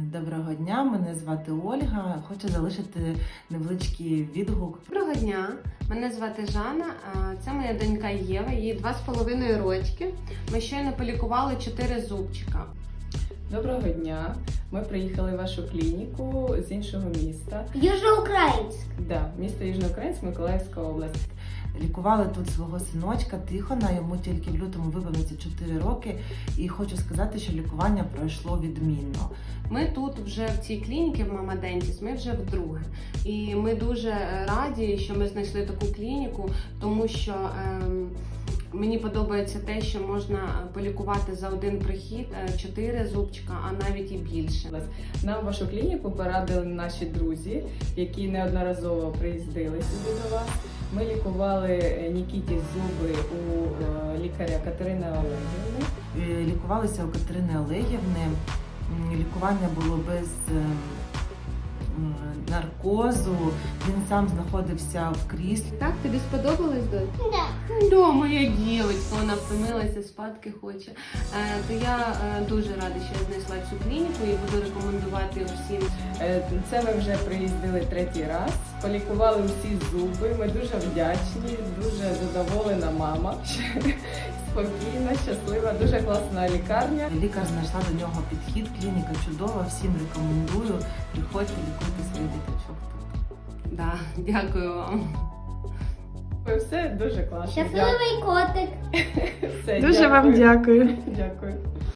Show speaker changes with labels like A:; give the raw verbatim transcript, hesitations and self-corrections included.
A: Доброго дня, мене звати Ольга. Хочу залишити невеличкий відгук.
B: Доброго дня, мене звати Жанна. Це моя донька Єва, їй два з половиною рочки. Ми щойно полікували чотири зубчика.
C: Доброго дня. Ми приїхали в вашу клініку з іншого міста.
D: Южноукраїнськ.
C: Да, місто Южноукраїнськ, Миколаївська область.
A: Лікували тут свого синочка Тихона, йому тільки в лютому виповниться чотири роки. І хочу сказати, що лікування пройшло відмінно.
B: Ми тут вже в цій клініці, в Мама Дентіс, ми вже вдруге. І ми дуже раді, що ми знайшли таку клініку, тому що ем, мені подобається те, що можна полікувати за один прихід чотири зубчика, а навіть і більше.
C: Нам вашу клініку порадили наші друзі, які неодноразово приїздили сюди до вас. Ми лікували Нікіті зуби у лікаря Катерини Олегівни.
A: Лікувалися у Катерини Олегівни. Лікування було без наркозу. Він сам знаходився в кріслі.
B: Так, тобі сподобалось, Донь?
D: Да.
B: Да, моя дівчинка, вона втомилася, спадки хоче. Е, то я е, дуже рада, що я знайшла цю клініку і буду рекомендувати всім.
C: Е, Це ми вже приїздили третій раз, полікували всі зуби. Ми дуже вдячні, дуже задоволена мама. Спокійна, щаслива, дуже класна лікарня.
A: Лікар знайшла до нього підхід, клініка чудова, всім рекомендую. Приходьте, лікуйте своїх діточок тут.
B: Да, дякую вам.
C: Все дуже класно.
D: Щасливий котик.
C: Все,
E: Дуже вам дякую.
C: Дякую.